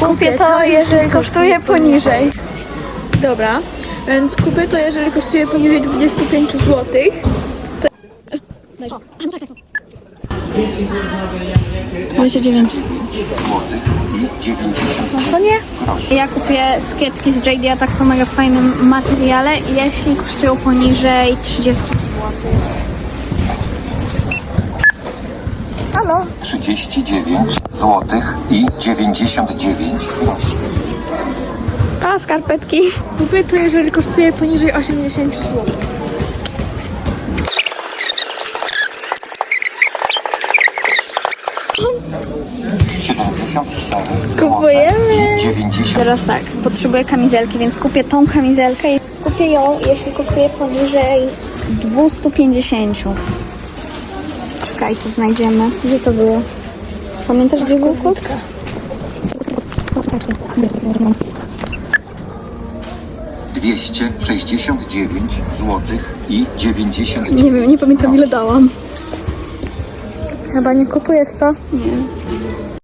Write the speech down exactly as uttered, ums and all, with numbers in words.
Kupię to, jeżeli kosztuje poniżej. Dobra, więc kupię to, jeżeli kosztuje poniżej dwadzieścia pięć złotych. dwadzieścia dziewięć. No to nie. Ja kupię skietki z J D, a tak są mega w fajnym materiale, jeśli kosztują poniżej trzydzieści złotych. Halo? trzydzieści dziewięć złotych i dziewięćdziesiąt dziewięć groszy. A, skarpetki. Kupię to, jeżeli kosztuje poniżej osiemdziesiąt złotych. siedemdziesiąt cztery Kupujemy. dziewięćdziesiąt. Teraz tak, potrzebuję kamizelki, więc kupię tą kamizelkę i kupię ją, jeśli kosztuje poniżej dwieście pięćdziesiąt. Czekaj, to znajdziemy. Gdzie to było? Pamiętasz, gdzie był kod? dwieście sześćdziesiąt dziewięć złotych i dziewięćdziesiąt. Nie wiem, nie pamiętam ile dałam. Chyba nie kupujesz, co? Nie.